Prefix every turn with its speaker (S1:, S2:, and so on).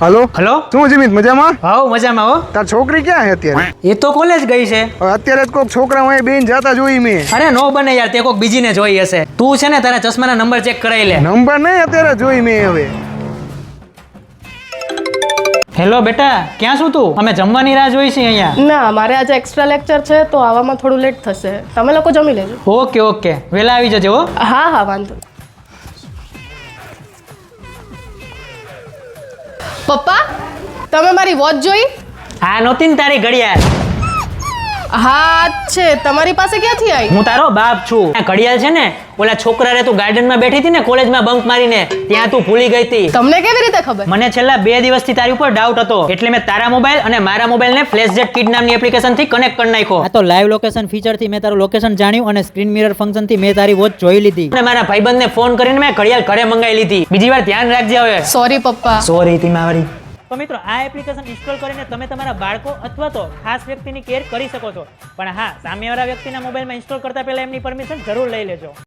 S1: Hello
S2: hello
S1: શું જીમિત મજામાં?
S2: How મજામાં હો.
S1: તાર છોકરી ક્યાં છે અત્યારે?
S2: એ તો કોલેજ ગઈ છે.
S1: હવે અત્યારે જ કોઈક છોકરા અહીં બેન જાતા જોઈ મેં.
S2: અરે નો બને યાર, તે કોક બીજીને જોઈ હશે. તું છે ને તારા ચશ્માના નંબર ચેક કરાવી લે.
S1: નંબર નહીં અત્યારે જોઈ મેં હવે.
S2: હેલો બેટા, ક્યાં છું તું? અમે જમવાની રાહ જોઈ છે અહીંયા.
S3: ના, મારે આજે એક્સ્ટ્રા લેક્ચર છે તો આવવામાં થોડું લેટ થશે. તમે લોકો જમી લેજો.
S2: ઓકે ઓકે, વેલા આવી જજો હો.
S3: હા હા, વાંધો નહીં. પપ્પા, તમે મારી વોચ જોઈ?
S2: આ નહોતી ને તારી ઘડિયાળ.
S3: હા છે. તમારી પાસે ક્યાંથી આવી?
S2: હું તારો બાપ છું. આ ઘડિયાળ છે ને, ઓલા છોકરા રે તું ગાર્ડનમાં બેઠી હતી ને કોલેજમાં બંક મારીને, ત્યાં તું ભૂલી ગઈ હતી.
S3: તમને કેવી રીતે ખબર?
S2: મને છેલ્લા 2 દિવસથી તારી ઉપર ડાઉટ હતો, એટલે મેં તારા મોબાઈલ અને મારા મોબાઈલને ફ્લેશજેટ કિડ નામની એપ્લિકેશનથી કનેક્ટ કરી નાખ્યો. આ તો લાઈવ લોકેશન ફીચરથી મેં તારું લોકેશન જાણ્યું અને સ્ક્રીન મિરર ફંક્શનથી મેં તારી વોચ જોઈ લીધી. અને મારા ભાઈબંધને ફોન કરીને મેં ઘડિયાળ ઘરે મંગાવી લીધી. બીજી વાર ધ્યાન રાખજે હવે.
S3: સોરી પપ્પા.
S2: સોરી તીમાવરી. તો મિત્રો, આ એપ્લિકેશન ઇન્સ્ટોલ કરીને તમે તમારા બાળકો અથવા તો ખાસ વ્યક્તિની કેર કરી શકો છો. પણ હા, સામેવાળા વ્યક્તિના મોબાઈલમાં ઇન્સ્ટોલ કરતા પહેલા એમની પરમિશન જરૂર લઈ લેજો.